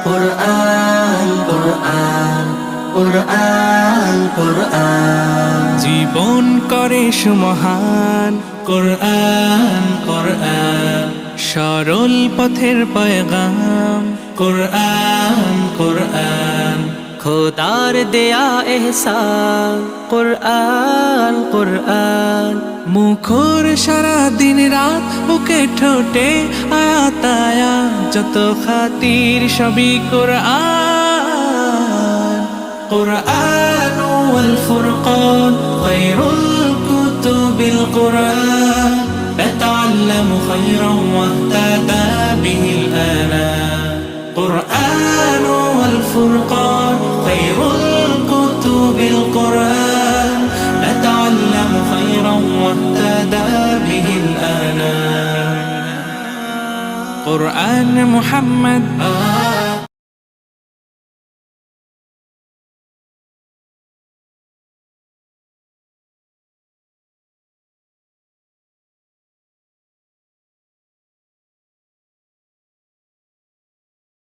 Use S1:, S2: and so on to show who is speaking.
S1: কুরআন কুরআন কুরআন কুরআন
S2: জীবন করে সুমহান
S1: কুরআন কুরআন
S2: সরল পথের পয়গাম
S1: কুরআন কুরআন
S2: খোদার দেয়া এহসান কুরআন কুরআন মুখর সারা দিন রাত বুকে ঠোঁটে আয়াত আয়াত যত খাতির সবই কুরআন
S1: قرآن والفرقان خير الكتب القرآن نتعلم خيرا واهتدى به الآنام قرآن والفرقان خير الكتب القرآن نتعلم خيرا واهتدى به الآنام
S2: قرآن محمد